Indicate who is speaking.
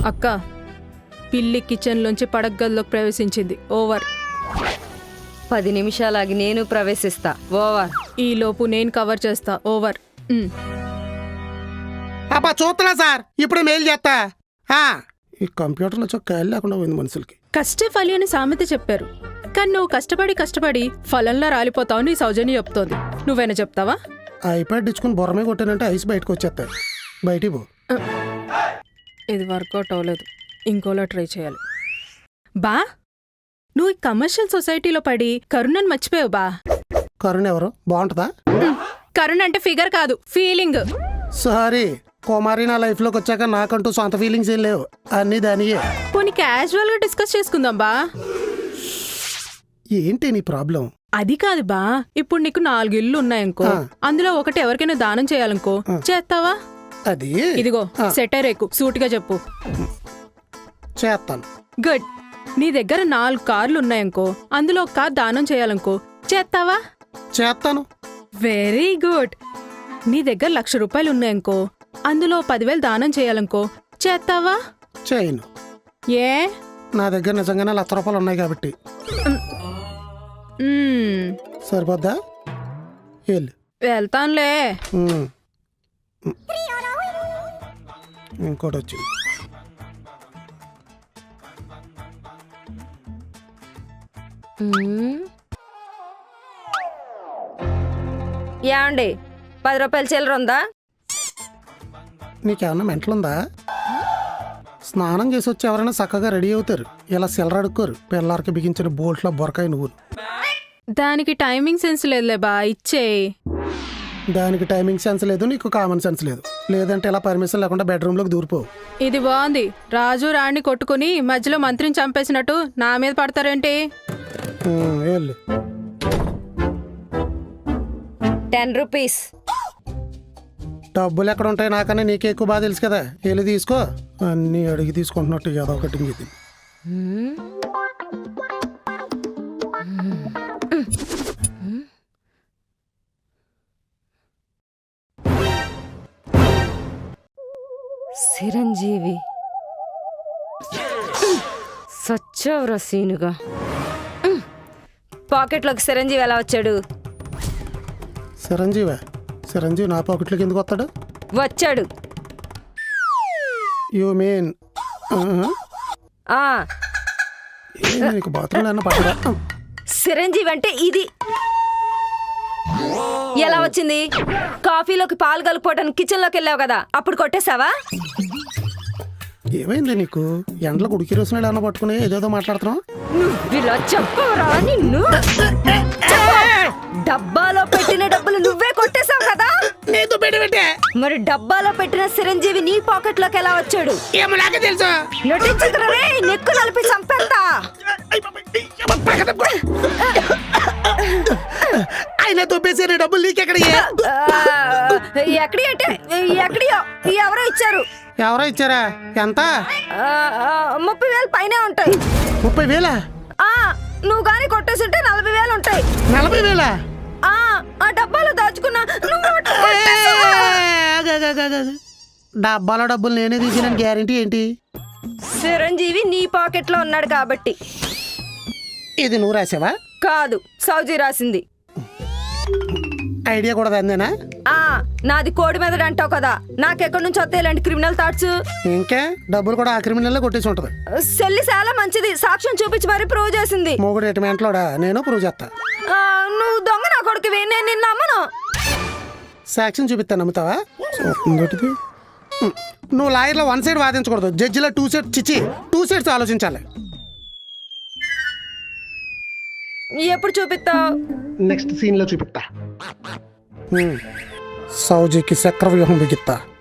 Speaker 1: అక్క, పిల్లి కిచెన్లోంచి పడగదిలోకి ప్రవేశించింది. ఓవర్.
Speaker 2: 10 నిమిషాలాగి నేను ప్రవేశిస్తా. ఓవర్.
Speaker 1: ఈలోపు నేను కవర్ చేస్తా. ఓవర్.
Speaker 3: అబ్బా చూస్తున్నా సార్, ఇప్పుడు మెయిల్ చేస్తా. ఈ కంప్యూటర్లో చొక్కా లేకుండా పోయింది మనుషులకి.
Speaker 1: కష్టే ఫలి అని సామెత చెప్పారు, కానీ నువ్వు కష్టపడి ఫలంలా రాలిపోతావు నీ సౌజన్య చెప్తోంది. నువ్వైనా చెప్తావా?
Speaker 3: ఐప్యాడ్ ఇచ్చుకుని బొరమే కొట్టానంటే ఐస్ బయటకు వచ్చేస్తాయి. బయటికి పో.
Speaker 1: ఇది వర్కౌట్ అవ్వలేదు, ఇంకోలా ట్రై చేయాలి. బా, నువ్వు ఈ కమర్షియల్ సొసైటీలో పడి కరుణని మర్చిపోయావు బా.
Speaker 3: కరుణ ఎవరు? బాగుంటుందా?
Speaker 1: కరుణ అంటే ఫిగర్ కాదు, ఫీలింగ్.
Speaker 3: సారీ కుమారి, నా లైఫ్లోకి వచ్చాక నాకంటూ సొంత ఫీలింగ్స్ ఏం లేవు, అన్నీ దానియే.
Speaker 1: పోనీ క్యాజువల్గా డిస్కస్ చేసుకుందాం బా.
Speaker 3: ఏంటి నీ ప్రాబ్లం?
Speaker 1: అది కాదు బా, ఇప్పుడు నీకు 4 ఇళ్ళు ఉన్నాయనుకో, అందులో ఒకటి ఎవరికైనా దానం చేయాలనుకో, చేస్తావా?
Speaker 3: అది
Speaker 1: ఇదిగో సెటర్ ఎక్కు, సూటిగా చెప్పు.
Speaker 3: చేస్తాను.
Speaker 1: గుడ్. నీ దగ్గర 4 కార్లు ఉన్నాయనుకో, అందులో ఒక కార్ దానం చేయాలనుకో, చేస్తావా?
Speaker 3: చేస్తాను.
Speaker 1: Very good. నీ దగ్గర 1,00,000 రూపాయలు ఉన్నాయనుకో, అందులో 10,000 దానం చేయాలనుకో, చేస్తావా?
Speaker 3: చేయను.
Speaker 1: ఏ?
Speaker 3: నా దగ్గర నిజంగానే 1,00,000 రూపాయలు ఉన్నాయి కాబట్టి. సరిపోద్దా? వెళ్ళు.
Speaker 1: వెళ్తానులే.
Speaker 3: ఇంకోటి వచ్చింది.
Speaker 2: ఏమండి, 10 రూపాయల చిల్లర ఉందా?
Speaker 3: నీకేమన్నా మెంటలుందా? స్నానం చేసి వచ్చి ఎవరైనా చక్కగా రెడీ అవుతారు, ఇలా సిల్లర అడుక్కోరు. పిల్లలకి బిగించిన బోల్ట్లో బొరకాయ నువ్వు.
Speaker 1: దానికి టైమింగ్ సెన్స్ లేదులే బా, ఇచ్చే.
Speaker 3: దానికి టైమింగ్ సెన్స్ లేదు, నీకు కామన్ సెన్స్ లేదు. లేదంటే ఇలా పర్మిషన్ లేకుండా బెడ్రూమ్లోకి దూరిపోవు.
Speaker 1: ఇది బాగుంది. రాజు రాణి కొట్టుకుని మధ్యలో మంత్రిని చంపేసినట్టు నా మీద పడతారేంటి?
Speaker 3: వెళ్ళు.
Speaker 2: 10 రూపీస్.
Speaker 3: డబ్బులు ఎక్కడ ఉంటాయి నాకన్నా నీకే ఎక్కువ బాగా తెలుసు కదా. వెళ్ళి తీసుకో. అన్నీ అడిగి తీసుకుంటున్నట్టు ఏదో ఒకటి ఇది.
Speaker 2: చిరంజీవి సచ్చవరా సీనుగా. పాకెట్లోకి చిరంజీవి ఎలా వచ్చాడు?
Speaker 3: చిరంజీవి నా పాకెట్లోకి ఎందుకు వస్తాడు?
Speaker 2: వచ్చాడు.
Speaker 3: యూ మీన్ నీకు బాత్రూమ్ అన్న పట్టడా?
Speaker 2: చిరంజీవి అంటే ఇది. ఎలా వచ్చింది? కాఫీలోకి పాలు కలుపుకోవడానికి కిచెన్లోకి వెళ్ళావు కదా, అప్పుడు కొట్టేశావా?
Speaker 3: ఏమైంది నీకు? ఎండలో ఉడికి రోజునాడు అన్న పట్టుకుని ఏదేదో మాట్లాడుతున్నావు.
Speaker 2: ఇలా చెప్పరా నిన్ను? డబ్బాలో పెట్టిన డబ్బులు నువ్వే కొట్టేశావు కదా. మరి డబ్బాలో పెట్టిన చిరంజీవి నీ పాకెట్ లోకి ఎలా వచ్చాడు?
Speaker 3: తెలుసు.
Speaker 2: నెక్కు నలిపి చంపేస్తా.
Speaker 3: ఆయన తొప్పేసే డబ్బులు నీకెక్కడ?
Speaker 2: ఎక్కడి అంటే ఎక్కడియో ఎవరో ఇచ్చారు.
Speaker 3: ఎవరో ఇచ్చారా? ఎంత?
Speaker 2: 30,000 పైనే ఉంటాయి.
Speaker 3: 30,000?
Speaker 2: నువ్వు గాని కొట్టేస్తుంటే 40,000 ఉంటాయి.
Speaker 3: 40,000?
Speaker 2: ఆ డబ్బాలో దాచుకున్నా.
Speaker 3: డబ్బాలో డబ్బులు నేనే తీసిన గ్యారెంటీ ఏంటి?
Speaker 2: చిరంజీవి నీ పాకెట్ లో ఉన్నాడు కాబట్టి.
Speaker 3: ఇది నువ్వు రాసావా?
Speaker 2: కాదు, సౌజీ రాసింది.
Speaker 3: ఐడియా కూడా అందేనా?
Speaker 2: నాది కోడి మెదడు అంటావు కదా, నాకెక్కడి నుంచి వస్తాయి ఇలాంటి క్రిమినల్ థాట్స్?
Speaker 3: ఇంకా డబ్బులు కూడా ఆ క్రిమినల్ కొట్టేసి ఉంటది.
Speaker 2: సెల్లి చాలా మంచిది, సాక్ష్యం చూపించి మరీ ప్రూవ్ చేసింది.
Speaker 3: మొగుడు ఎటుమెంట్లోడా? నేను ప్రూవ్ చేస్తా.
Speaker 2: నువ్వు దొంగ నా కొడుకువి, నేను నిన్ను నమ్మను.
Speaker 3: సాక్ష్యం చూపిస్తా, నమ్ముతావా? నువ్వు లాయర్లో 1 సైడ్ వాదించకూడదు, జడ్జిలో 2 సైడ్స్ ఆలోచించాలి.
Speaker 2: ఎప్పుడు చూపిస్తావు?
Speaker 3: నెక్స్ట్ సీన్ లో చూపిస్తా. సౌజీకి చక్రవ్యూహం బిగిస్తా.